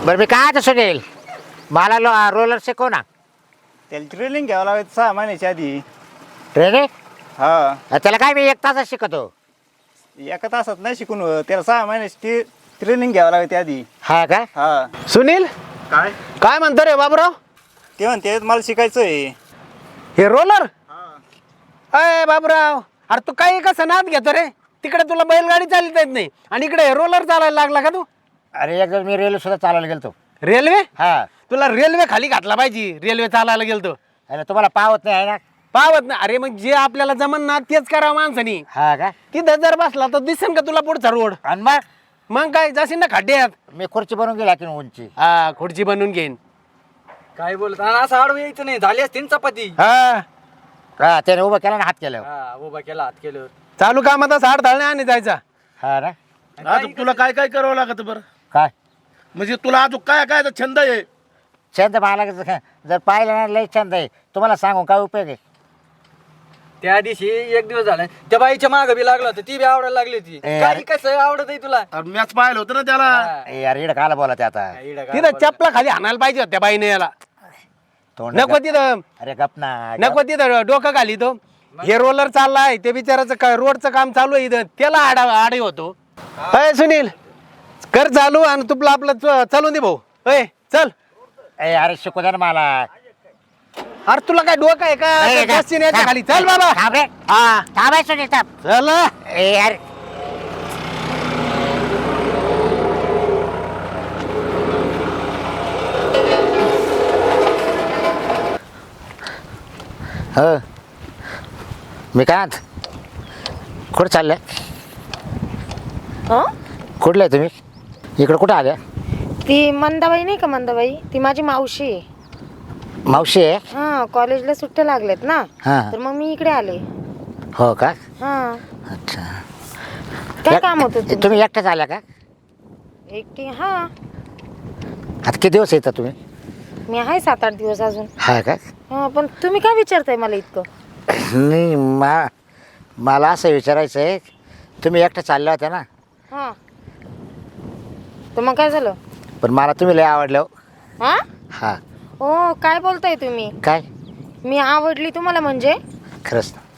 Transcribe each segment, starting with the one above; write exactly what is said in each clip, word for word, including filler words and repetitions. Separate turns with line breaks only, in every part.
बरं मी काय आता सुनील मला लो रोलर शिकव ना.
त्याला ट्रेनिंग घ्यावं लागेल सहा महिन्याच्या आधी.
ट्रेनिंग
हा
त्याला काय मी एक तासच शिकवतो.
एका तासात नाही शिकून होत. त्याला सहा महिन्याची ट्रेनिंग घ्यावं लागेल आधी.
हा का?
हा
सुनील
काय
काय म्हणतो रे बाबूराव?
ते म्हणते मला शिकायचं आहे.
हे रोलर? अय बाबूराव, अरे तू काही कसं नाद घेतो रे? तिकडे तुला बैलगाडी चालता येत नाही आणि इकडे हे रोलर चालायला लागला का तू?
अरे एकदा मी रेल्वे सुद्धा चालायला गेलतो.
रेल्वे?
हा
तुला रेल्वे खाली घातला पाहिजे. रेल्वे चालायला गेलतो
अरे तुम्हाला पावत नाही आहे ना.
पावत ना? अरे मग जे आपल्याला जमन ना तेच करावं माणसानी.
हा का?
तिथं जर बसला तर दिसेल का तुला पुढचा रोड?
आणि मग
मग काय जाशील ना खड्ड्यात.
मी खुर्ची बनवून गेला की उंची.
हा खुर्ची बनवून घेईन.
काय बोलत आणि असं आडवं यायचं नाही. झाली असती ना चपाती.
हा
हा त्याने उभं केला ना हात केलं.
हा उभा केला हात केलं.
चालू कामात साठ धाळणे आणि जायचा.
हा ना.
आता तुला काय काय करावं लागत बरं?
काय
म्हणजे तुला अजून काय काय छंद आहे?
छंद मला जर जर पाहिलं ना लय छंद आहे. तुम्हाला सांगू काय उपयोग आहे?
त्या दिवशी एक दिवस झाला त्या बाईच्या माग बी लागला होता. ती बी आवडायला लागली होती.
ए,
काय
अरे.
कसं आवडत आहे तुला?
अरे मॅच पाहिलं होतं ना त्याला.
हा.
ए यार इकडं काला बोला ते आता.
इडं काय
तिथं
बोलत.
चपला खाली हाणायला पाहिजे होत्या बाईने याला.
तोंड
नको तिथं
अरे गप ना.
नको तिथं डोकं घाली तो. हे रोलर चाललाय ते बिचाराचं काय रोडचं काम चालू आहे इथं त्याला आडा आडे होतो. अय सुनील कर चालू आणि तुला आपलं च- चालून दे भाऊ. अय चल.
ए अरे शिकू दे ना मला.
अरे तुला काय डोकं आहे का?
ए,
त्या बसची न्यायच्या खाली चल बाबा.
थांब रे.
हा
थांब आहे सुनील थांब.
चल.
ए यार हो मी काय आत कुठं चाललंय?
हं?
कुठलं आहे तुम्ही? इकडं कुठं आल्या?
ती मंदाबाई नाही का मंदाबाई ती माझी मावशी आहे.
मावशी आहे?
हा कॉलेजला सुट्ट्या लागल्यात ना
हां
तर मग मी इकडे आले.
हो का?
हा
अच्छा.
काय
एक-
काम होतं तुमचं?
तुम्ही एकट्याच आल्या का?
एकटी हा
आता किती दिवस येतात तुम्ही?
मी आहे सात आठ दिवस अजून.
हा का?
हा पण तुम्ही काय विचारताय मला इतकं?
नाही मा मला असं विचारायचं आहे तुम्ही एकट्या चालल्या होत्या ना
हा तर मग काय झालं?
पण मला तुम्ही लय आवडलं हो.
हा
हा
हो काय बोलताय तुम्ही?
काय
मी आवडली तुम्हाला म्हणजे?
खरंच ना.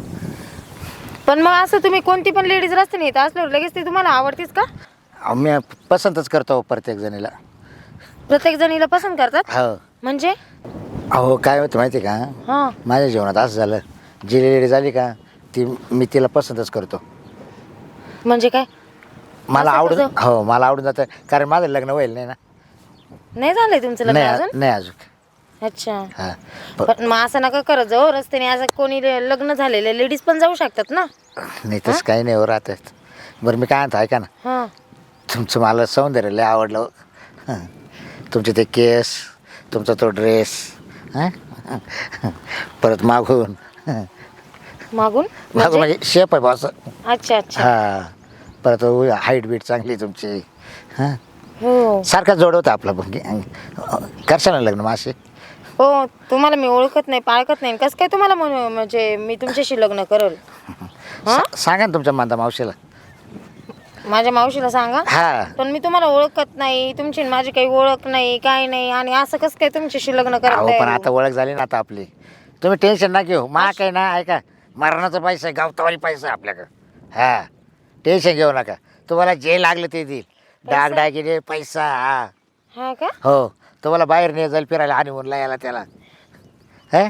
पण मग असं तुम्ही कोणती पण लेडीज रस्त्याने येत असल्यावर लगेच ती तुम्हाला आवडतीच का?
अहो, मी पसंतच करतो प्रत्येक जणीला.
प्रत्येक जणीला पसंत करतात
हो
म्हणजे?
अहो काय होतं माहिती आहे का?
हा
माझ्या जीवनात असं झालं जी लेडी झाली का ती मी तिला पसंतच करतो.
म्हणजे काय?
मला
असं
आवडून
कसं?
हो मला आवडून जातं कारण माझं लग्न होईल नाही ना.
नाही झालंय तुमचं लग्न
नाही
अजून?
नाही अजून.
अच्छा
हां प-
पण मग असं नका करत जाऊ रस्त्याने. असं कोणी ले- लग्न झालेले लेडीज पण जाऊ शकतात ना.
नाही तसं काही नाही हो राहतात. बरं मी काय म्हणतो ऐका ना
हा
तुमचं मला सौंदर्य लय आवडलं हो. हं. तुमचे ते केस तुमचा तो ड्रेस हं? परत मागून हं.
मागून
मागून
म्हणजे?
म्हणजे शेप आहे बॉस.
अच्छा अच्छा
हां परत हाईट बीट चांगली तुमची हां
हो
सारखा जोड होता आपला पण करशाल ना लग्न मासे.
हो तुम्हाला मी ओळखत नाही पाळखत नाही कसं काय तुम्हाला म्हणू म्हणजे मी तुमच्याशी लग्न करल? हा
सा- सांगा ना तुमच्या मांदा मावशीला.
माझ्या मावशीला सांगा.
हा
पण मी तुम्हाला ओळखत नाही तुमची आणि माझी काही ओळख नाही काय नाही आणि असं कसं काय तुमच्याशी लग्न
अहो पण आता
करायला?
ओळख झाली ना आता आपली. तुम्ही टेन्शन ना घेऊ मा काही ना ऐका मरणाचा पैसा आहे गावतावाली पैसा आहे आपल्याकडं. हा टेन्शन घेऊ नका तुम्हाला जे लागलं ते देईल. डाग डागिने पैसा हा
हा का?
हो तुम्हाला बाहेर नाही जाईल फिरायला आणि म्हणला याला त्याला हं?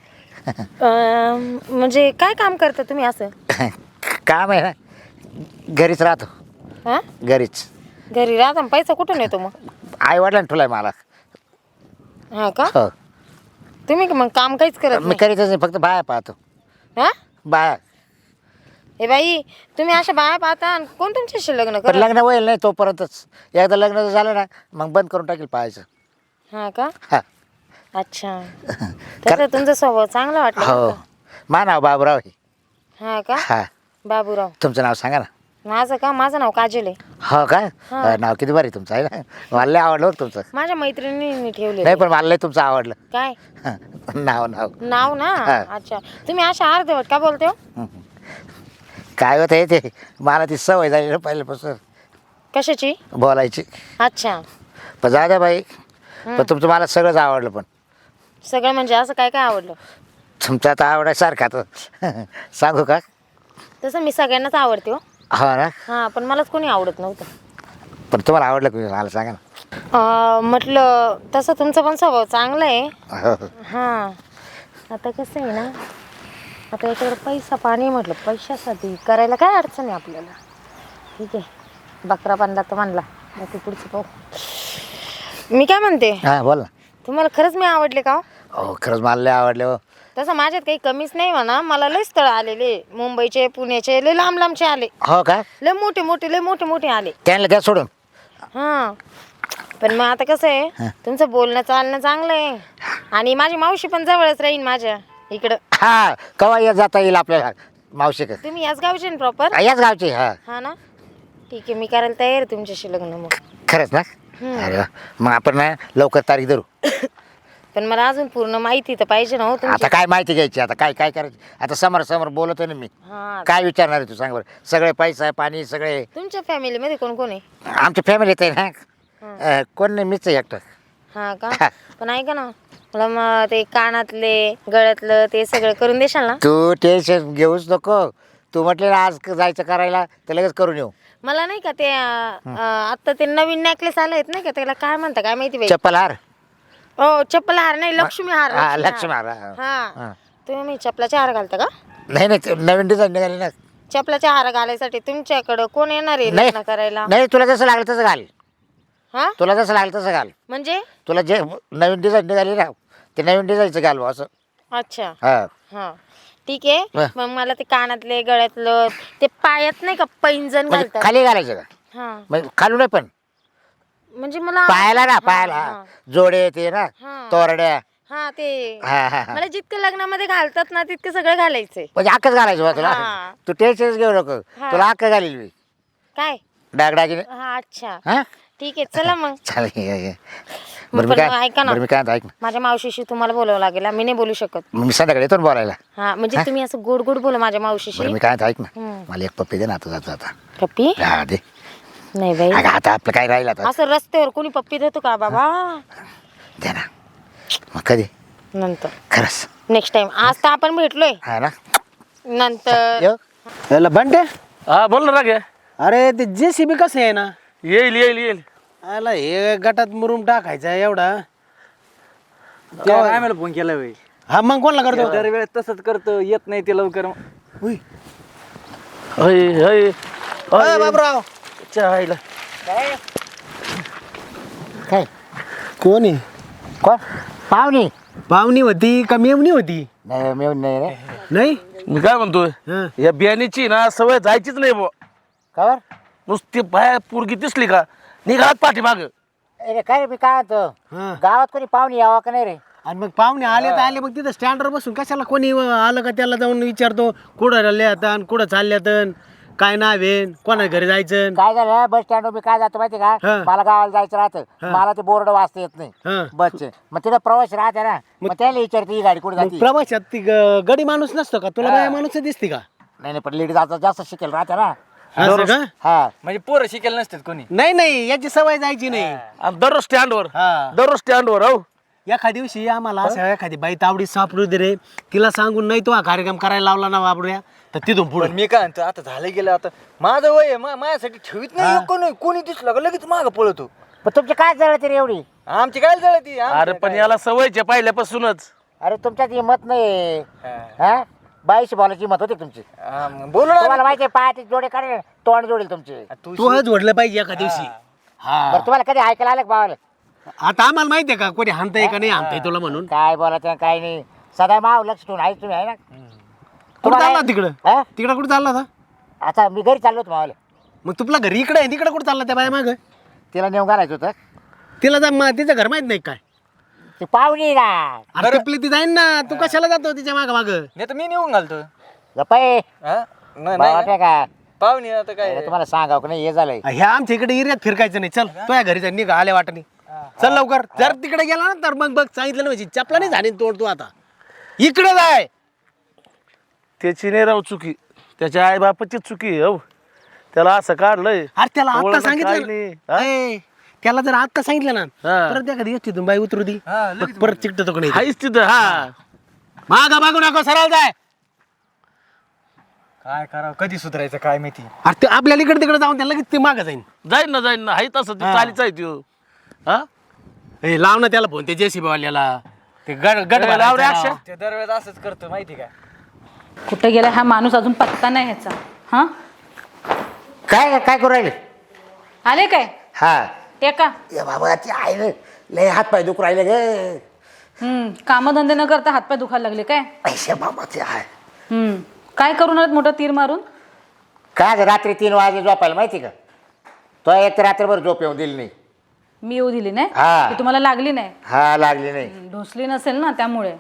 अं, म्हणजे काय काम करता तुम्ही असं?
काम आहे ना घरीच राहतो
हा
घरीच.
घरी राहता मग पैसा कुठून येतो मग?
आई वडिलांनी ठुलाय मला.
हा का?
हो
तुम्ही मग काम काहीच करत
मी
नाही?
करीतच नाही फक्त बाया पाहतो.
हा
बाया
हे बाई तुम्ही अशा बाया पाहता आणि कोण तुमच्याशी लग्न
पण
करत?
लग्न होईल नाही तोपर्यंतच. एकदा लग्न झालं ना मग बंद करून टाकेल पाहायचं.
हा का?
हा
अच्छा तसं तुमचा स्वभाव चांगला वाटला
हो
बरं का?
मा नाव बाबूराव आहे.
हा का?
हा
बाबूराव
तुमचं नाव सांगा ना.
माझं का? माझं नाव काजल आहे.
हो का?
हा.
अं, नाव किती भारी तुमचं आहे ना. मला लय आवडलं बरं तुमचं.
माझ्या मैत्रिणींनी ठेवले.
नाही पण मला लय तुमचं आवडलं.
काय
नाव नाव
नाव ना?
हा.
अच्छा तुम्ही अशा अर्धवट का बोलते हो?
काय होतं हे ते मला ती सवय झाली ना पहिल्यापासून
कशाची?
बोलायची.
अच्छा
पण जाऊ द्या बाई, पण तुमचं मला सगळंच आवडलं. पण
सगळं म्हणजे असं काय काय आवडलं?
तुमचं आता आवडायसारखं आता सांगू का?
तसं मी सगळ्यांनाच आवडते हो.
हो ना,
हां, पण मलाच कोणी आवडत नव्हतं.
पण तुम्हाला आवडलं का मला सांगा ना.
अं, म्हटलं तसं तुमचा पण स्वभाव चांगला आहे.
हो, हो.
हां, आता कसं आहे ना, आता याच्याकडे पैसा पाणी म्हटलं, पैशासाठी करायला काय अडचण आहे आपल्याला. ठीक आहे, बकरा बांधला तर बांधला, बाकी पुढचं पाहू. मी काय म्हणते,
हां बोल ना.
तुम्हाला खरंच मी आवडले का हो?
हो खरंच मला लय आवडले हो.
तसं माझ्यात काही कमीच नाही म्हणा, मला लय स्थळ आलेले, मुंबईचे पुण्याचे लय लांब लांबचे आले,
हो का?
लय मोठे मोठे लय मोठे मोठे आले.
त्यांना द्या सोडून.
हां, पण मग आता कसं आहे, तुमचं बोलणं चालणं चांगलं आहे आणि माझी मावशी पण जवळच राहीन माझ्या इकडं.
हा कवा येत जाता येईल आपल्याला मावशी का?
तुम्ही याच गावचे ना प्रॉपर?
याच गावची. हा
हा ना, ठीक आहे, मी करायला तयार आहे तुमच्याशी लग्न. मग
खरंच ना? अरे वा. मग आपण ना लवकर तारीख धरू.
पण मला अजून पूर्ण माहिती तर पाहिजे ना हो
आता
तुमची.
काय माहिती घ्यायची, आता काय काय करायचं, आता समोर समोर बोलतोय ना मी.
हा,
काय विचारणार आहे तू सांग बरं. सगळे पैसा पाणी सगळे
तुमच्या फॅमिलीमध्ये कोण कोण आहे?
आमच्या फॅमिलीत आहे ना. अं, कोण नाही, मीच आहे एकटं.
हा का? पण ऐका ना, मला मग ते कानातले गळ्यातलं ते सगळं करून देशाल ना?
तू टेन्शन घेऊच नको. तू म्हटले ना आज जायचं करायला तर लगेच करून येऊ.
मला नाही का ते अं, आता ते नवीन नेकलेस आले आहेत नाही का, त्याला काय म्हणता काय माहिती बाई.
चप्पल हार.
हो, चप्पल हार नाही, लक्ष्मी हार.
हा,
लक्ष्मी
लक्ष्मी हार, हा.
हार.
हा.
हा, तुम्ही चपलाचे हार घालता का?
नाही नाही ते नवीन डिझाईन निघाली ना.
चपलाचे हार घालायसाठी तुमच्याकडं कोण येणार आहे
नाही.
लग्न करायला?
नाही तुला जसं लागलं तसं घाल.
हा,
तुला जसं लागलं तसं घाल.
म्हणजे?
तुला जे नवीन डिझाईन निघाली ना ते नवीन डिझाईनचं घाल बुवा असं.
अच्छा,
हा
हा, ठीक आहे.
हा.
मग मला ते कानातले गळ्यातलं ते पायात नाही का पैंजण
म्हणजे
घालतात?
खाली घालायचं का?
हा,
म्हणजे खालू नाही पण
म्हणजे मला
पायाला ना,
हा,
पायाला
हा.
जोडे ते ना,
हा.
तोरड्या.
हा, ते
हा हा हा.
मला जितकं लग्नामध्ये घालतात ना तितकं सगळं घालायचंय.
म्हणजे अक्कच घालायचं बा तुला.
हा.
तू टेन्शनच घेऊ नको.
हा.
तुला अक्क घालील मी
काय?
डागडागिने.
हा, अच्छा,
हा
ठीक आहे, चला मग.
चालेल ये, ये.
मग
बरं मी
पण मग
काय
ऐका ना.
बरं मी काय म्हणतो, ऐक ना.
माझ्या मावशीशी तुम्हाला बोलावं लागेल, मी नाही बोलू शकत.
मग मी संध्याकाळी येतो ना बोलायला.
हा, म्हणजे तुम्ही असं गोड गोड बोला माझ्या मावशीशी.
बरं मी काय म्हणतो, ऐक ना.
हम्म.
मला एक पप्पी दे ना आता जाता जाता.
पप्पी?
हा दे.
नाही बाई,
अगं आता आपलं काय राहिलं आता.
असं रस्त्यावर कोणी पप्पी देतो का बाबा?
दे ना. मग कधी?
नंतर,
खरंच.
Next time. आज तर आपण भेटलोय,
हा ना.
नंतर
येऊ?
याला बंटे,
हा बोल ना रागे.
अरे ते जेसीबी कसं आहे ना,
येईल येईल येईल.
आला हे गटात मुरुम टाकायचा एवढा.
काय मला फोन केला बाई?
हा मग कोणला करतो?
दरवेळेस तसंच करतो, येत नाही ते लवकर.
उई.
हय हय
अय बाबराव,
चायला.
काय
कोण आहे?
कोण? पाहुणी?
पाहुणी होती का मेवणी होती?
नाही मी नाही रे.
नाही
मी काय म्हणतोय,
हं.
या बियाणीची ना सवय जायचीच नाही बुवा.
खबर?
नुसती बाया पोरगी दिसली का निघात पाठीमाग.
अरे काय रे, मी काय म्हणतो,
हं.
गावात कोणी पाहुणी यावं का नाही रे?
आणि मग पाहुणे आले तर आले, मग तिथं स्टँडवर बसून कशाला कोणी आलं का त्याला जाऊन विचारतो कुठं राहिल्यात आणि कुठं चालल्यात, काय नाव आहे, कोणा घरी जायचं.
काय झालं, बस स्टँड मी काय जातो माहिती का,
हा.
मला गावाला जायचं राहतं, मला ते बोर्ड वाचता येत नाही
हा.
बसचे. मग तिथं प्रवास राहते ना, मग त्याला विचारते ही गाडी कुठे
मग
जाते.
प्रवासात ती ग- गडी माणूस नसतो का तुला?
हा.
बाया माणूस दिसते का?
नाही नाही, पण लेडीज आता जास्त शिकेल राहते ना.
असं का?
हा
म्हणजे पोरं शिकेल नसतात कोणी.
नाही नाही, याची सवय जायची नाही.
आणि दररोज स्टँडवर
हा.
दररोज स्टँडवर हो.
एखाद्या दिवशी आम्हाला असं एखादी बाई तावडी सापडू दे रे, तिला सांगून नाही तो हा कार्यक्रम करायला लावला ना बाबड्या, तर तिथून पुढे
पण मी काय म्हणतो, आता झालं गेलं, आता माझं वय आहे, मा- माझ्यासाठी ठेवीत नाही एक कोणी. कोणी दिसलं का लगेच मागं पळतो.
पण तुमची काय जळते रे एवढी?
आमची काय जळती?
अरे पण याला सवयचे पहिल्यापासूनच.
अरे तुमच्यात हिंमत नाही.
हा.
हा बाईशी बोलायची हिंमत होती तुमची.
हा, मग बोलू ना.
तुम्हाला माहिती आहे, पायाचे जोडे काढे तोंड जोडेल तुमचे.
तू
तू हज ओढलं पाहिजे एका दिवशी. हा,
बरं तुम्हाला कधी ऐकायला आलं का भावाला?
आता आम्हाला माहितीये का कोणी हाणताय का नाही हाणताय तुला म्हणून.
काय बोलायचं काय नाही, सदा माव लक्ष ठेवून आहे तुम्ही, आहे ना.
कुठं
तुम्हाला-
चालला तिकडं?
हा?
तिकडं कुठं चालला होता?
आता मी घरी चाललो होतो मावाला,
मग तुला घरी इकडे आहे, तिकडं कुठं चालला त्या बाया माग?
तिला नेऊन घालायचं होतं.
तिला जा म- तिचं घर माहित नाही काय?
ती पाहुणी ना.
अरे टिपली ती जाईन ना, तू कशाला जातो तिच्या माग माग?
नाही तर मी नेऊन घालतो.
गप्पा
हा? नाही
वाटत
नाही.
का?
पाहुणे आता काय
अरे तुम्हाला सांगाव का नाही, हे झालंय.
ह्या आमच्या इकडे एरियात फिरकायचं नाही. चल तुझ्या घरी जाईन, निघा आल्या वाटणी. चल लवकर. जर तिकडे गेला ना तर मग बघ, सांगितलं ना म्हणजे चपला नाही झाली तोड तू आता. इकडे जाय.
त्याची नाही राव चुकी, त्याच्या आई बापाची चुकी आहे, हो. त्याला असं काढलंय.
अरे त्याला आता
ओळख काय
सांगितलं
नाही.
ना. ए, त्याला जर आता सांगितलं ना
हा.
परत एखादी येते तुम्ही बाई उतरू दी मग परत चिकट तो नाही
हायच तिथं हा
मागा मागू नको सरळ जाय.
काय करावं कधी सुधारायचं काय माहिती.
अरे ते आपल्याला इकडे तिकडे जाऊन त्याला लगेच ते मागं जाईन.
जाईन ना जाईन ना हाय तसं ते चालीच आहे त्यो हा
ए, लाव ना त्याला फोन ते जेसीबी वाल्याला ते गड गड
ए, लाव रे
भरायचा
अक्षय.
राव.
ते दरवेळेस असंच करतो माहिती का.
कुठे गेला हा माणूस अजून पत्ता नाही ह्याचा. हा
काय काय करू राहिले
आले काय
हा
एका
ए बाबा ते आहे रे, लय हात पाय दुखू राहिले ग.
हम्म कामधंदे न करता हातपाय दुखायला लागले काय.
पैसे बाबा ते आहे
हम्म काय करून आलात मोठं तीर मारून.
काय झालं, रात्री तीन वाजे झोपायला माहिती का तो एक तर रात्रभर झोप येऊन दिली नाही.
मी येऊ दिली नाही
हा.
ती तुम्हाला लागली नाही.
हा लागली नाही.
हम्म, ढोसली नसेल ना त्यामुळे.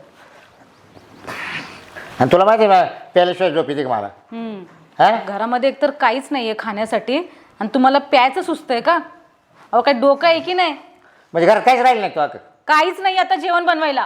आणि तुला माहिती आहे ना प्यायल्याशिवाय झोप येते का मला.
हम्म
हा
घरामध्ये एकतर काहीच नाहीये खाण्यासाठी आणि तुम्हाला प्यायचं सुचतंय का. अहो काय डोकं आहे की नाही.
म्हणजे घरात काहीच राहिलं नाही तो.
काहीच नाही आता जेवण बनवायला.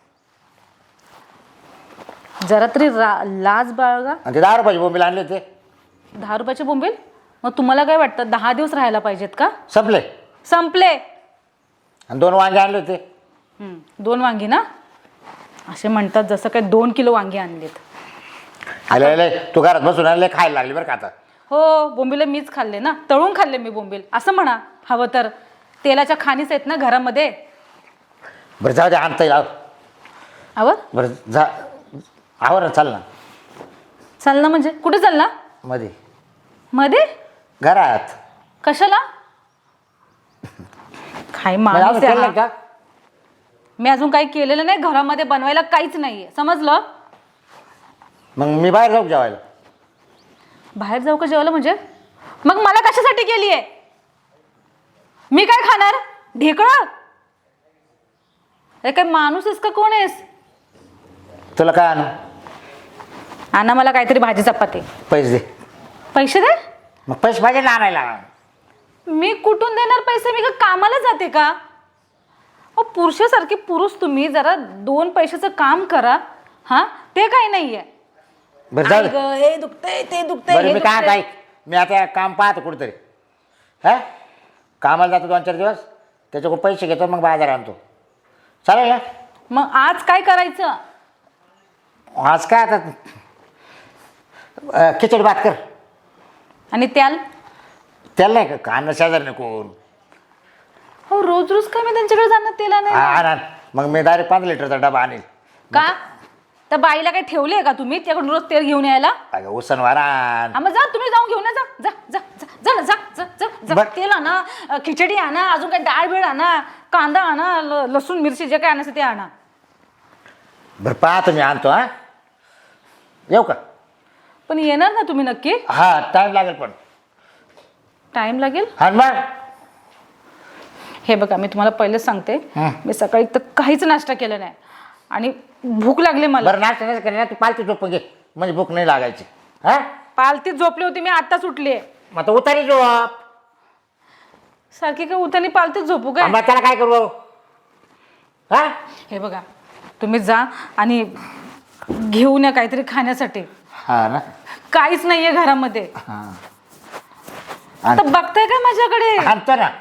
जरा तरी रा- लाज बाळगा.
आणि ते दहा रुपयाची बोंबील आणले ते
दहा रुपयाचे बोंबील. मग तुम्हाला काय वाटतं दहा दिवस राहायला पाहिजेत का.
संपले.
संपले.
आणि दोन वांगे आणले होते.
हम्म, दोन वांगी ना असे म्हणतात जसं काय दोन किलो वांगी आणलेत.
आले आले तू घरात बसून आणले खायला लागली बरं का आता.
हो बोंबील मीच खाल्ले ना तळून खाल्ले मी बोंबील असं म्हणा हवं तर. तेलाच्या खाणीच आहेत ना घरामध्ये.
बरं जाऊ दे आणता येईल. आव.
हवं
बरं जा आवर चाल ना
चाल ना म्हणजे कुठे चाल ना
मध्ये
मध्ये
घरात.
कशाला. काय
म्हणजे अजून
माणूस आहे
केलं
हा.
का.
मी अजून काही केलेलं नाही घरामध्ये बनवायला काहीच नाहीये समजलं.
मग मी बाहेर जाऊ जेवायला.
बाहेर जाऊ का जेवायला म्हणजे मग मला कशासाठी केलीये. मी काय खाणार ढेकळं. अरे काय माणूस आहेस का कोण आहेस.
तुला काय आणू.
आणा मला काहीतरी भाजी चपाती.
पैसे दे.
पैसे दे.
मग पैसे पाहिजे ना आणायला.
मी कुठून देणार पैसे मी का कामाला जाते का. अहो पुरुषासारखे पुरुष तुम्ही जरा दोन पैशाचं काम करा. हा ते काही नाहीये.
बरं जाऊ
आई
दे.
गं, हे दुखतंय ते दुखतंय
बरं
हे
मी काय
दुखतंय.
काय मी आता काम पाहतो कुठेतरी. हा कामाला जातो दोन चार दिवस त्याच्याकडून पैसे घेतो मग बाजार आणतो. चालेल ना.
मग आज काय करायचं.
आज काय आता अं, खिचडी भात कर.
आणि त्याल
त्याला नाही का कांदा शेजार नाही कोण.
हो रोज रोज काय मी त्यांच्याकडे जाणार तेला
हा
नाही.
आण आण. मग मी डायरेक्ट पाच लिटरचा डबा आणेल.
का त्या बाईला काय ठेवले का तुम्ही त्याकडून रोज तेल घेऊन यायला.
अगं उसनवार आण.
हा मग जा तुम्ही जाऊन घेऊन या जा जा जा जा जा ना, जा जा जा जा
बरं.
तेल आणा अ, खिचडी आणा अजून काय डाळ बीळ आणा कांदा आणा ल- लसूण मिरची जे काय आणायचं ते आणा.
बरं पाहतो मी आणतो. हा येऊ का.
पण येणार ना तुम्ही नक्की.
हा टाईम लागेल पण.
टाइम लागेल.
हा मग
हे बघा मी तुम्हाला पहिलेच सांगते
हं.
मी सकाळी तर काहीच नाश्ता केला नाही आणि भूक लागली मला.
बरं नाश्ता नाही करणार तू पालखी झोपून घे म्हणजे भूक नाही लागायची. हा
पालतीत झोपली होती मी आता सुटली.
मग आता उतारी झोप.
सारखी काय उठानी पालतीत झोपू काय.
मग त्याला काय करू. हा
हे बघा तुम्ही जा आणि घेऊन या काहीतरी खाण्यासाठी.
हा ना.
काहीच नाहीये घरामध्ये.
हा
आता बघताय काय माझ्याकडे.
आणतो ना.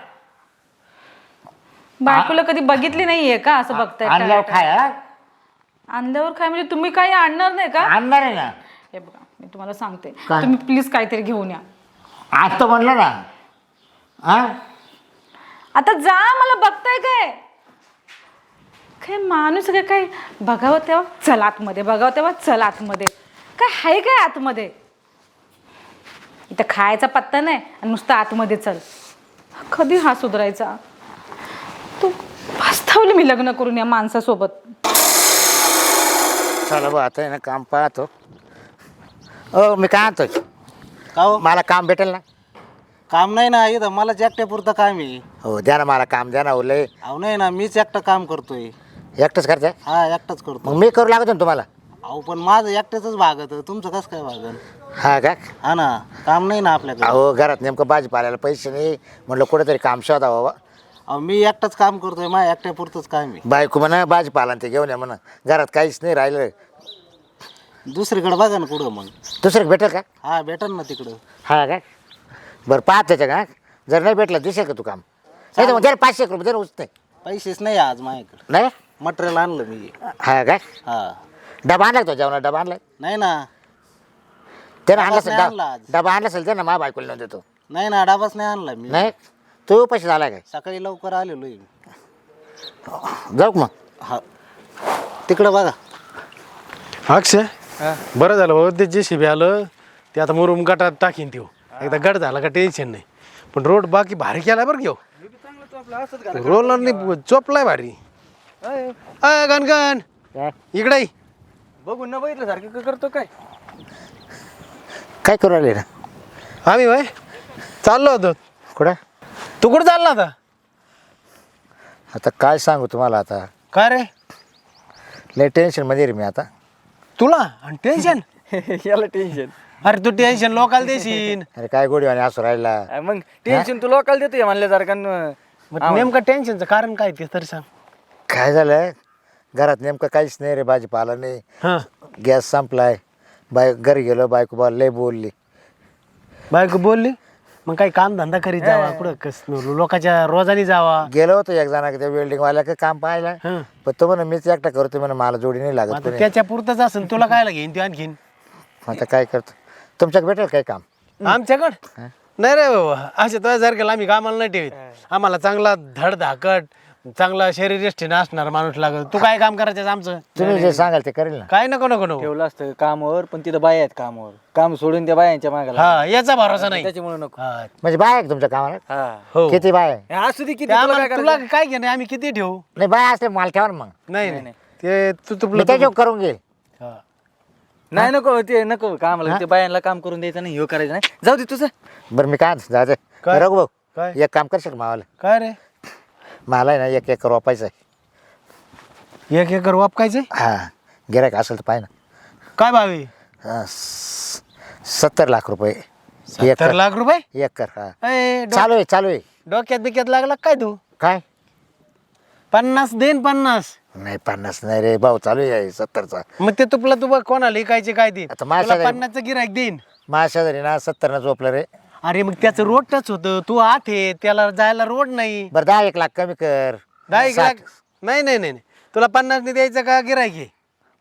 बायकोला कधी बघितली नाहीये का असं बघताय काय?
आणल्यावर खाय. हा?
आणल्यावर काय म्हणजे तुम्ही काही आणणार नाही का.
आणणार आहे ना.
हे बघा मी तुम्हाला सांगते
काय?
तुम्ही प्लीज काहीतरी घेऊन या.
आज तर म्हणलं ना. हा
आता जा मला बघताय काय काय माणूस काय काय बघावं तेव्हा चल आतमध्ये बघावं तेव्हा चल आतमध्ये काय आहे काय आतमध्ये. इथं खायचा पत्ता नाही आणि नुसतं आतमध्ये चल. कधी हा सुधारायचा. तू पस्तावली मी लग्न करून या माणसासोबत.
चला बा आता आहे ना काम पाहतो. हो मी काय आणतोय.
का हो
मला काम भेटेल ना.
काम नाही ना इथं मला एकट्यापुरतं काम आहे.
हो द्या ना मला काम द्या ना. हो लय
अहो नाही ना मीच एकटं काम करतोय.
एकटंच करताय.
हा एकटाच करतो.
मग मी करू लागतो ना तुम्हाला.
अहो पण माझं एकट्याच भागत तुमचं कसं काय भागन.
हा का.
हा ना काम नाही ना आपल्याकडे.
अहो घरात नेमकं भाजीपाल्याला पैसे नाही म्हटलं कुठेतरी काम शोधा बाबा.
अहो मी एकटाच काम करतोय माझ्या एकट्यापुरतंच काम आहे.
बायको म्हणा भाजीपाला ते घेऊन या म्हणा. घरात काहीच नाही राहिलं.
दुसरीकडे बघा ना कुठं मग.
दुसरं भेटेल का.
हा भेटन ना तिकडं.
हा का. बरं पाहत त्याच्या का जर नाही भेटलं दिसेल का तू काम. नाही तर मग त्याला पाचशे एक रुपये दे ना उचते
पैसेच नाही आज माझ्याकडे.
नाही
मटेरियल आणलं मी.
हा काय
हा.
डबा आणला का तो जेवणा डबा आणलाय
नाही ना.
त्यानं आणला
डबाच
असेल
नाही आणला आज.
डबा डबा आणला असेल ते ना मा बायकोला नेऊन देतो
नाही ना, डाबाच नाही आणला मी.
नाही तू पैसे झाला काय
सकाळी लवकर आलेलो आहे.
जाऊ का मग
हा. तिकडं बघा.
अक्षय बरं झालं बाबा ते जे शिबी आलं ते आता मुरुम गटात टाकीन देऊ एकदा गट झाला का टेन्शन नाही पण रोड बाकी भारी केलाय बरं घेऊ रोलरनी चोपलाय भारी अय गणगण
काय
इकडे ये.
बघून न बघितलं सारखं करतो काय.
काय करू राहिले ना
आम्ही भाई चाललो होतो
कुठं
तू कुठं चालला होता
आता काय सांगू तुम्हाला आता
काय रे
लय टेन्शन मध्ये रे मी आता
तुला आणि टेन्शन
याला टेन्शन.
अरे तू टेन्शन लोकाला देशील
अरे काय गोडी आणि असू राहिला
मग टेन्शन तू लोकांना देतोय म्हणल्यासारखं.
मग नेमकं टेन्शनचं कारण काय ते तरी सांग
काय झालं घरात नेमकं काहीच नाही रे भाजीपाला नाही
हां
गॅस संपलाय बाय घरी गेलो बायको बा लय बोलली
बायको बोलली मग काही काम धंदा करीत जावा कुठं कस लोकांच्या रोजानी जावा
गेलो होतो एक जणा त्या वेल्डिंग वाल्या काम पाहायला
हं.
पण तो म्हणा मीच एकटा करतो म्हणा मला जोडी नाही लागत
आता
कोणी.
त्याच्या पुरतच असेल तुला काय घेईन ते आणखीन
आता काय करतो तुमच्याकडे भेटेल काय काम
आमच्याकडं नाही रे बाबा असे तुझ्या सारखेला आम्ही कामाला नाही ठेवीत आम्हाला चांगला धडधाकट चांगला शरीरष्टीनं असणारा माणूस लागत तू काय काम करायचं आमचं
तुम्ही जे सांगाल ते करेल ना
काय नको नको नको
ठेवलं असतं कामावर पण तिथं बाया आहेत कामावर. काम सोडून त्या बायांच्या मागायला
हा याचा भरोसा नाही
त्याच्यामुळे नको.
हा,
म्हणजे बाय आहे का तुमच्या कामाला
हा.
हो
किती बाय आहे?
हे असू दे किती
ते
तुला
आम्हाला
काय
तुला
करायचं?
काय घेणं आम्ही किती ठेवू
नाही बाय असले मला ठेवा ना मग
नाही नाही ते तू
मी
तुपलं
त्याच्यावर करून घेईल
हा.
नाही नको ते नको कामाला ते बायांना काम करून द्यायचं नाही. ह्यो करायचं नाही. जाऊ दे तुझं.
बरं मी काय म्हणतो, जाऊ
काय?
दे रघु भाऊ
काय?
एक काम करशील का मावाला
काय रे
मला आहे ना एक एकर वापायचं आहे
एक एकर वापकायचंय
हा गिरायक असेल तर पाहिजे
काय भावी
ना स- सत्तर लाख रुपये
सत्तर
एकर
लाख रुपये
एकर हा
ए, डो-
चालू आहे चालू आहे
डोक्यात बिक्यात लागला काय तू
काय
पन्नास देन पन्नास
नाही पन्नास नाही रे भाऊ चालू आहे सत्तरचा
मग ते तुपला तू बघ कोणाला लिकायचे काय देईन
आता माझ्या
तुला
शेजारी-
पन्नासचं गिरायक देईन
माझ्या शेजारी ना सत्तर न झोपलं रे
अरे मग त्याचं रोड टच होतं तू आत आहे त्याला जायला रोड नाही
बरं दहा एक लाख कमी कर
दहा एक
साठ.
लाख नाही नाही नाही नाही. तुला पन्नास नाही द्यायचं का गिरायक आहे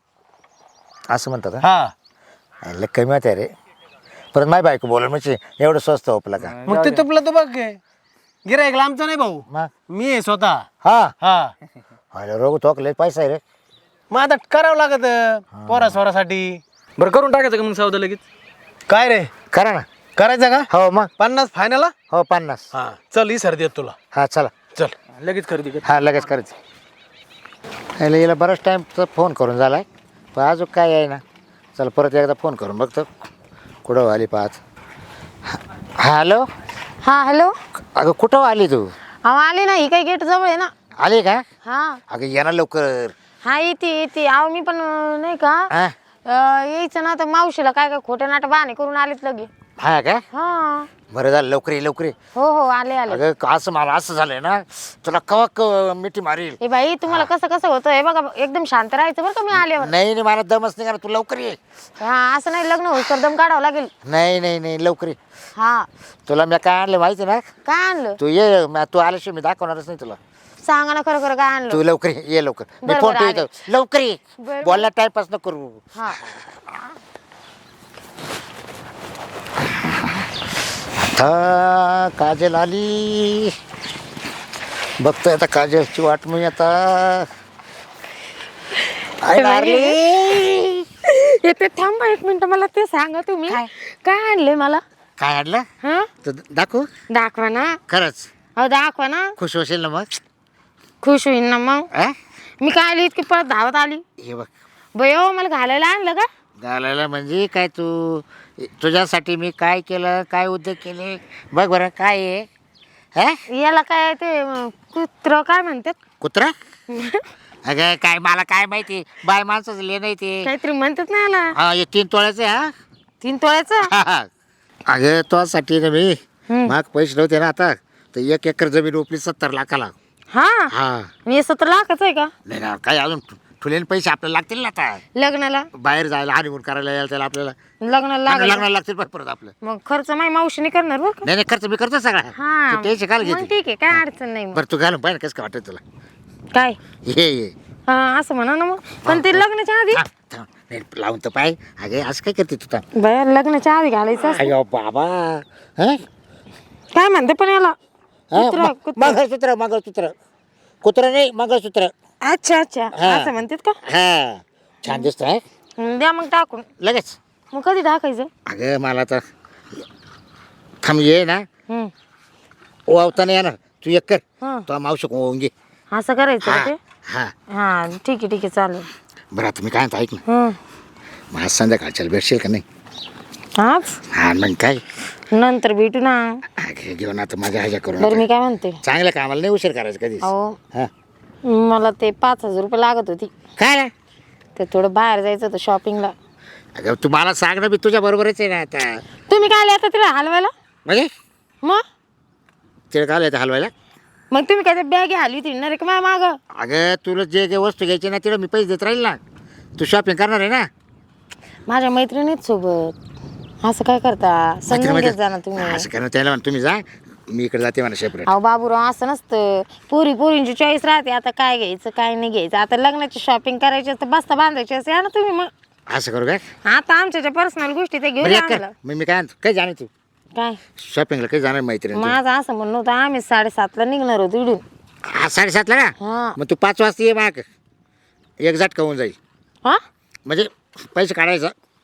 असं म्हणतात हा?
हा
लय कमी होते रे परत माझी बायको बोलल म्हणजे एवढं स्वस्त होपलं का
मग ते तुपला तू बघ गिरायक आमचा नाही भाऊ
मग
मी आहे स्वतः
हा
हा
अरे रोग तो लय पैसा आहे रे
मग आता करावं लागत पोरा स्वरासाठी
बरं करून टाकायचं का मग सौदा लगेच.
काय रे
करा ना
करायचं का
हो मग
पन्नास फायनल
हो पन्नास
हा चल ही सर देत तुला
हा चला
चल
लगेच खरेदी कर.
हा लगेच करायचं याला याला बराच टाईमचा फोन करून झाला आहे पण अजून काय आहे ना चला परत एकदा फोन करून बघतो कुठं आली पाहत हॅलो
हा हॅलो
अगं कुठं आली तू
अहो आले ना ही काही गेट जवळ आहे ना
आली का
हा
अगं ये ना लवकर
हा येते येते अहो मी पण अं, नाही का
हा
अं, यायचं ना तर मावशीला काय काय खोटे नाटक बहाणे करून आलेत लगे
हा का
हा
बरं झालं लवकर ये लवकर ये
हो हो आले आले
अगं असं मला असं झालंय ना तुला कवा क मिठी मारील
ए बाई तुम्हाला कसं कसं होतं हे बघा एकदम शांत राहायचं बरं का मी आल्यावर
नाही नाही मला दमच नाही करा तू लवकर ये
हा असं नाही लग्न होईल तर दम काढावं लागेल
नाही नाही नाही लवकर ये
हा
तुला मी काय आणलं माहिती ना
काय आणलं
तू ये म- तू आल्याशिवाय मी दाखवणारच नाही तुला
सांगा ना खरं खरं काय आणलं
तू लवकर ये ये लवकर मी
बरं,
फोन
बरं,
ठेवतो लवकर ये
बरं.
बोलला टाइमपास न करू
हा
आता काजल आली बघतोय आता काजलची वाट मी आता आई नारली.
येते थांबा एक मिनिट मला ते सांगा तुम्ही काय आणले मला
काय आणलं
हा
तर दाखवू
दाखवा ना
खरंच
अहो दाखवा ना
खुश होशील ना मग
खुश होईन ना मग
आ?
मी काय आली इतकी परत धावत आली
हे बघ
बयो मला घालायला आणलं का
घालायला म्हणजे काय तू तुझ्यासाठी मी काय केलं काय उद्योग केले बघ बरं काय आहे हा
याला काय ते अं, कुत्र काय म्हणतात
कुत्रा अगं काय मला काय माहिती बाय माणसाचं ले नाही ते
काहीतरी म्हणतात ना याला
हा हे तीन तोळ्याचं आहे, हा
तीन तोळ्याचं
अगं तुझ्यासाठी ना मी
हम्म.
माग पैसे नव्हते ना आता तर एक एकर जमीन ओपली सत्तर लाखाला
हा
हा
आणि हे सतरा लाखाचं आहे का
नाही ना काय अजून ठुलेन पैसे आपल्याला लागतील ना आता
लग्नाला
बाहेर जायला हनीमून करायला यायला त्याला आपल्याला
लग्नाला लागेल
लग्नाला लागतील पण परत आपलं
मग खर्च माही मावशीने करणार बरं का
नाही नाही खर्च मी करतो सगळा
हा
तू टेन्शन काल
मग
घेते
ठीक आहे काय अडचण नाही मग
बरं तू घालून पाहिजे कसं काय वाटत तुला
काय
ये ये
हा असं म्हणा ना मग पण ते लग्नाच्या आधी
थांब, थांब. नाही, लावून तर पाय अगे असं काय करते तू थांब.
बाया लग्नाच्या आधी घालायचं असतं.
अयो बाबा हं?
काय म्हणते पण याला
हं?
कुत्रा,
म-
कुत्रा.
मंगळसूत्र मंगळसूत्र कुत्रा नाही मंगळसूत्र
अच्छा अच्छा
हा.
असं म्हणतात का
हा छान दिसत आहे
हं, द्या मग टाकून
लगेच
मग कधी टाकायचं
अगं मला तर थांब ये ना
हं.
वावताना येणार तू एक कर
हं.
तो मावशी होऊन घे
असं करायचं का
हा
ते
हा
हा ठीक आहे ठीक आहे चालेल
बरं आता मी काय म्हणतो ऐक ना
हं.
मग आज संध्याकाळच्याला भेटशील का नाही
हाच
हा मग काय
नंतर भेटू ना
अगे घेऊन आता माझ्या ह्याच्या करून
बरं मी काय म्हणते
चांगलं कामाला नाही उशीर करायचं कधीच
अहो
हा
मला ते पाच हजार रुपये लागत होती
काय रे
ते थोडं बाहेर जायचं होतं शॉपिंगला
अगं तू मला सांग ना मी तुझ्या बरोबरच आहे ना आता
तुम्ही काय आले आता तिला हलवायला
म्हणजे
मग
तिला काय येतं हलवायला
मग तुम्ही काय बॅग हलवी ती ना रे का माझ्या मागं
अगं तुला जे जे वस्तू घ्यायची ना तिला मी पैसे देत राहील ना तू शॉपिंग करणार आहे ना
माझ्या मैत्रिणीच सोबत असं काय करता समजून घेत जा ना तुम्ही
असं करणं त्याला म्हणा तुम्ही जा मी इकडे जाते म्हणा सेपरेट
अहो बाबूराव असं नसतं पोरी पोरींची चॉईस राहते आता काय घ्यायचं काय नाही घ्यायचं आता लग्नाची शॉपिंग करायची असतं बस्ता बांधायची असते या ना तुम्ही मग
असं करू काय
आता आमच्या ज्या पर्सनल गोष्टी ते घेऊन
बरं
या
एक कर
आम्हाला
मग मी काय आणतो काय जाणे तू
काय
शॉपिंगला काही जाणार मैत्रीण
माझं असं म्हणणं होतं आम्ही साडेसातला निघणार होतो इडून
आज साडेसातला का
हा
मग तू पाच वाजता ये माग एक झटका होऊन जाईल
हा
म्हणजे पैसे काढायचं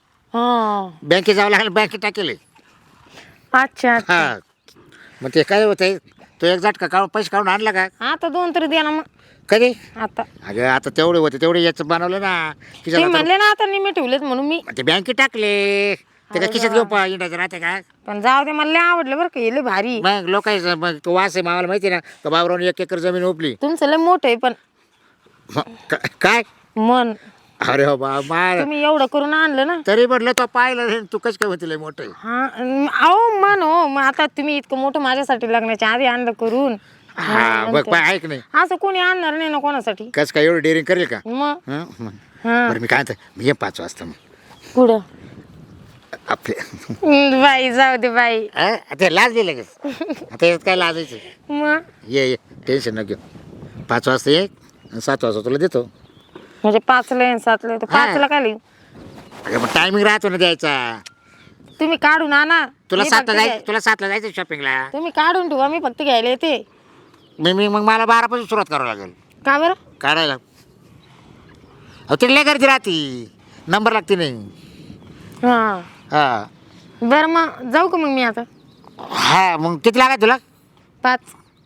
हा
बँकेत जावं लागेल बँकेत टाकेल
अच्छा अच्छा
हा मग ते काय होतंय तो एक झटका काढून पैसे काढून आणला का
आता दोन तरी द्या ना मग
कधी
आता
अगं आता तेवढे होते तेवढे याचं बनवलं ना
ते
खिशात
म्हणले ना आता निम्मे ठेवलेत म्हणून मी
ते बँकेत टाकले ते काय खिशात घेऊ पा इंडायचं राहते का
पण जाऊ दे मला लय आवडलं बरं का हे लय भारी
मग लोक मग तो वास आहे मावाला माहिती आहे ना तो बाबरावून एक एकर जमीन ओपली
तुमचं लय मोठं आहे पण
मग का- काय
मन
अरे हो बा मार
तुम्ही एवढं करून आणलं ना
तरी म्हटलं तो पाहिलं नाही, तू कसं काय म्हणते लय मोठं आहे.
हा अं, अहो मन हो मग आता तुम्ही इतकं मोठं माझ्यासाठी लग्नाच्या आधी आणलं करून
हा बघ पाय ऐक नाही
असं कोणी आणणार नाही ना कोणासाठी
कसं काय एवढं डेअरिंग करेल का
मग
हं? मग.
हा
बरं मी काय म्हणतो मी ये पाच वाजता मग
पुढं
आपले
हं, बाई जाऊ दे बाई
हं? आता लाज दिलं लगेच आता याच्यात काय लाजायचं
मग
ये ये टेन्शन नको घेऊ पाच वाजता ये आणि सात वाजता तुला देतो
म्हणजे पाचला आहे सातला आहे तर
हा.
पाचला काय लिहू
अगं मग टायमिंग राहतो ना द्यायचा
तुम्ही काढून आणा
तुला
मी
सातला
फक्त
जायचं
घ्याय-
तुला सातला जायचं शॉपिंगला
तुम्ही काढून ठेवा मी फक्त घ्यायला येते
मी मी मग मला बारापासून सुरुवात करावं लागेल
का बरं
काढायला अहो तिला लय गर्दी राहते नंबर लागते नाही
हा
हा
बरं मग जाऊ का मग मी आता
हा मग किती लागाय तुला
पाच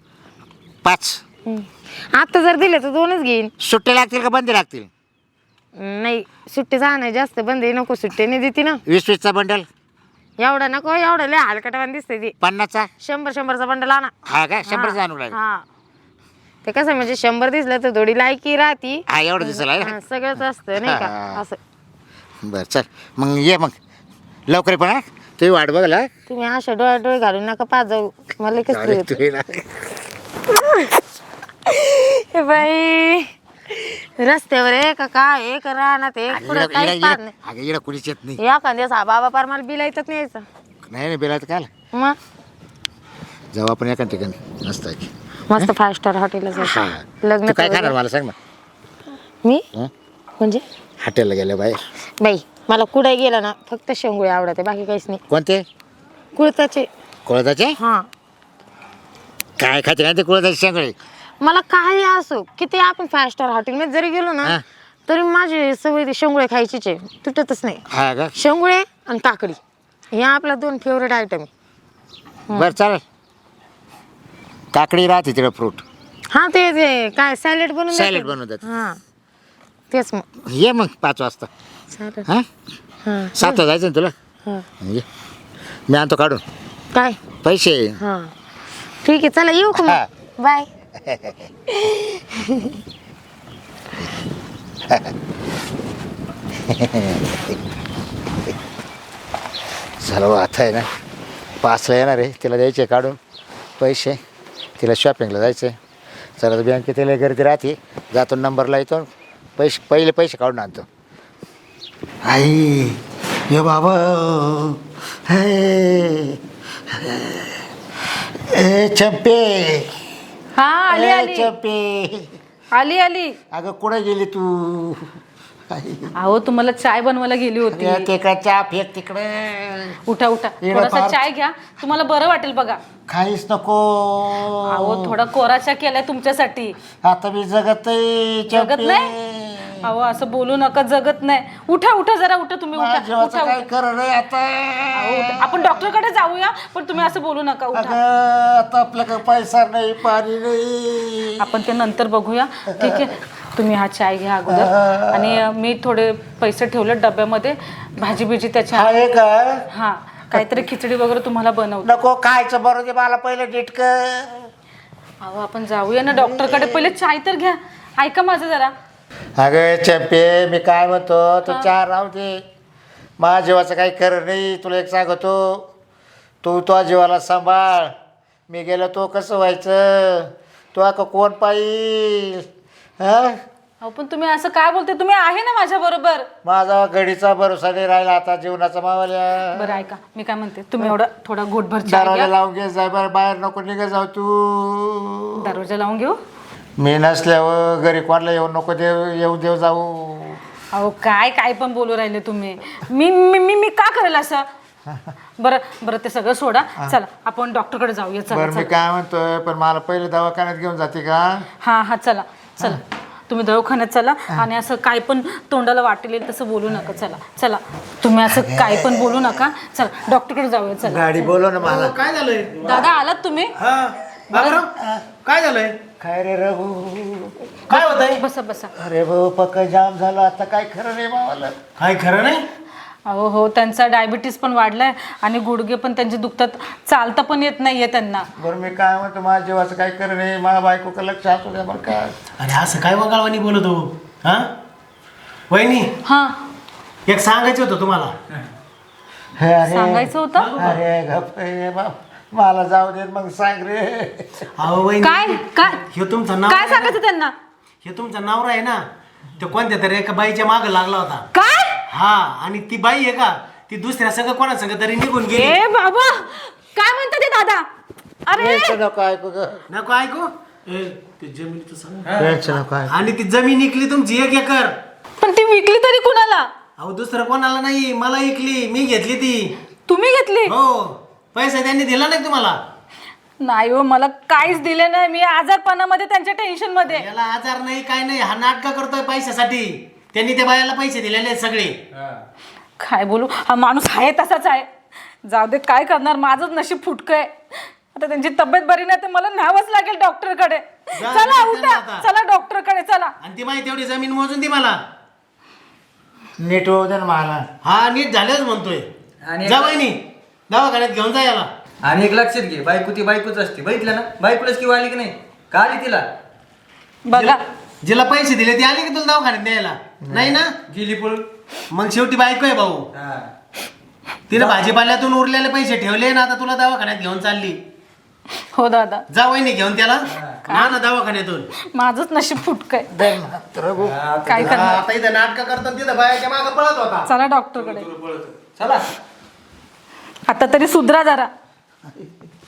पाच
हं. आता जर दिले तर दोनच घेईन
सुट्टे लागतील का बंदी लागतील
नाही सुट्टे जाणार जास्त बंद आहे नको सुट्टे नाही देते ना
वीस वीसचा बंडल
एवढा नको एवढा लय हलकटावान दिसते ती
पन्नासचा
शंभर शंभरचा बंडल आणा
हा का शंभर
हा,
जाणू लागेल
हा ते कसं म्हणजे शंभर दिसलं तर थोडी लायकी राहती
हा एवढं दिसेल आहे
हा, सगळंच असतं नाही
हा.
का असं
बरं चल मग ये मग लवकर पण हा तुम्ही वाट बघला
तुम्ही अशा डोळ्या डोळे घालून नका पाच जाऊ मला कसं
तू ये ना.
हे बाई रस्त्यावर आहे का काय एक राहणार ते
अगं,
पुढं
इकडं-
काहीच
इकडं-
पाहत
इकडं- अगं इकडं कुणीच येत नाही
नाही या दिवस हा बाबा पार मला बिल येतच नाही यायचं
नाही नाही बेलायचं काय
मग
जाऊ आपण एका ठिकाणी मस्त आहे की.
मस्त फाय स्टार हॉटेलला
हा
जायचं लग्न
तू काय
करू
खाणार
दे.
मला सांग ना
मी
हं?
म्हणजे
हॉटेलला गेलं बाहेर
बाई मला कुठे गेलं ना फक्त शेंगुळे आवडते बाकी काहीच नाही
कोणते
कुळताचे
कोळदाचे
हा
काय खाते काय ते कोळदाचे सगळे
मला काही असो किती आपण फाय स्टार हॉटेलमध्ये जरी गेलो ना
हा.
तरी माझी सवय ती शेंगुळे खायचीच आहे तुटतच नाही
हा का
शेंगुळे आणि काकडी हे आपल्या दोन फेवरेट आयटम आहे
बरं चालेल काकडी राहते तिकडे फ्रूट
हा ते ते काय सॅलेड बनवून
सॅलेड
देतात.
बनवून देतात.
हा तेच मग
ये मग पाच वाजता
चालेल
हा
हा
सातला जायचं ना तुला
हा
ये मी आणतो काढून
काय
पैसे
हा ठीक आहे चला येऊ का
हा.
मग बाय
सर्व आता आहे ना पाचला येणार आहे तिला द्यायचे काढून पैसे तिला शॉपिंगला जायचं आहे चला तर बँकेत तिला गर्दी राहते जातो नंबरला येतो पैसे पहिले पैसे काढून आणतो. आई ये बाबा हे ए चंपे
हा आली
ए
आली
चंपे
आली आली
अगं कुठे गेली तू? आई,
अहो तुम्हाला चाय बनवायला गेली होती.
अगं, ते का चहा फेक तिकडे.
उठा उठा
येडं
थोडासा
फार.
चाय घ्या तुम्हाला बरं वाटेल बघा.
काहीच नको.
अहो थोडा कोरा चहा केलाय तुमच्यासाठी.
आता मी जगत नाही,
जगत
चंपे.
नाही? अहो असं बोलू नका जगत नाही. उठा उठा जरा उठा तुम्ही उठा
माझ्या जीवाचं
उठा
काय
उठा.
कर रे आता.
अहो, उठा. आपण डॉक्टरकडे जाऊया पण तुम्ही असं बोलू नका
अगं
उठा.
आता आपल्याकडे पैसा नाही, पाणी नाही.
आपण ते नंतर बघूया ठीक आहे. तुम्ही हा चाय घ्या अगोदर आणि अ, मी थोडे पैसे ठेवले डब्यामध्ये भाजी बिजी त्याच्या.
आहे का?
हा काहीतरी खिचडी वगैरे तुम्हाला बनवतो.
नको खायचं बरं दे मला पहिलं डिटक.
अहो आपण जाऊया ना डॉक्टरकडे. पहिले चाय तर घ्या. ऐका माझं जरा.
अगं चंपे मी काय म्हणतो तू चार राहू दे. माझ्या जीवाचं काही खरं नाही. तुला एक सांगतो तू तो जीवाला सांभाळ. मी गेलो तो कसं व्हायचं? तो आता कोण पाहिल? हा
अहो पण तुम्ही असं काय बोलते? तुम्ही आहे ना माझ्या बरोबर.
माझा घडीचा भरोसा नाही राहिला आता जीवनाचा मावाल्या.
बरं ऐका मी काय म्हणते तुम्ही एवढा थोडा घोटभर चाय
दरवाजा
घ्या.
लावून घे जाय बरं. बाहेर नको निघ जाऊ तू.
दरवाजा लावून घेऊ.
मी नसल्यावर घरी कोणाला येऊ नको देव येऊ देव जाऊ.
अहो काय काय पण बोलू राहिले तुम्ही. मी मी मी मी का करेल असं? बरं बरं ते सगळं सोडा. चला आपण डॉक्टरकडे जाऊया. चला
बरं मी
चला.
काय म्हणतोय पण मला पहिले दवाखान्यात घेऊन जाते का?
हा हा चला चला तुम्ही दवाखान्यात चला आणि असं काय पण तोंडाला वाटेल तसं बोलू नका. चला चला तुम्ही असं काय पण बोलू नका. चला डॉक्टरकडे जाऊया. चला
गाडी बोलव ना मला.
काय झालंय?
दादा आलात तुम्ही?
हा बाबूराव, काय झालंय?
काय रे रघु?
काय होत आहे?
बसा बसा.
अरे भाऊ पक्क जाम झालं आता. काय खरं नाही मावाला.
काय खरं नाही?
अहो हो त्यांचा डायबिटीस पण वाढलाय आणि गुडघे पण त्यांचे दुखतात. चालता पण येत नाहीये त्यांना.
बरं मी काय म्हणतो माझ्या जीवाचं काय खरं नाही. माझ्या बायको का लक्ष असू द्या बरं का.
अरे असं काय वगाळवानी बोलतो हा वहिनी?
हा
एक सांगायचं होतं तुम्हाला.
हे अरे
सांगायचं होतं.
अरे गप्प रे बाप. मला जाऊ दे मग सांग रे.
अहो वहिनी,
काय काय
हे तुमचं नाव
काय सांगायचं त्यांना?
हे तुमचा नवरा आहे ना, तो कोणत्या तरी एका बाईच्या मागे लागला होता.
काय?
हा आणि ती बाई आहे का ती दुसऱ्या सगळं कोणा सगळं तरी निघून गेली.
ए बाबा काय म्हणतात ते दादा? अरे
टेन्शन नको ऐकू ग.
नको ऐकू.
ते जमिनीचं सांग.
टेन्शन नको ऐकू.
आणि ती जमीन इकली तुमची एक एकर.
पण ती विकली तरी कुणाला?
अहो दुसरं कोणाला नाही, मला इकली. मी घेतली ती.
तुम्ही घेतली?
हो. पैसा त्यांनी दिला नाही तुम्हाला?
नाही हो मला काहीच दिले नाही. मी आजारपणामध्ये त्यांच्या टेन्शन मध्ये.
याला आजार नाही काय नाही, हा नाटक करतोय पैशासाठी. त्यांनी त्या बायाला पैसे दिलेले आहेत सगळे.
काय बोलू हा माणूस आहे तसाच आहे. जाऊ दे काय करणार. माझंच नशीब फुटकं आहे. आता त्यांची तब्येत बरी नाही तर मला न्यावंच लागेल डॉक्टरकडे.
जा,
चला
जा,
उठा
आता.
चला डॉक्टरकडे चला.
आणि ती माहिती तेवढी जमीन मोजून दी मला.
नीट होऊ दे ना मला.
हा नीट झाल्याच म्हणतोय.
आणि
जा वहिनी दवाखान्यात घेऊन जा याला.
आणि एक लक्षात घे, बायको ती बायकोच असते. बघितलं ना, बायकोलाच किंवा आली की नाही का आली तिला?
बघा
जिला पैसे दिले ती आली की तुला दवाखान्यात न्यायला? नाही ना,
गेली पळून.
मग शेवटी बायको आहे भाऊ. तिने भाजीपाल्यातून उरलेले पैसे ठेवले ना, आता तुला दवाखान्यात घेऊन चालली.
हो दादा
जा वहिनी घेऊन त्याला ना ना दवाखान्यातून.
माझंच नशीब फुटकं आहे.
रघु
काय करणार.
आता इथं नाटक करतात तिथं बायाच्या मागे पळत होता.
चला डॉक्टरकडे.
चला.
आता तरी सुधरा जरा.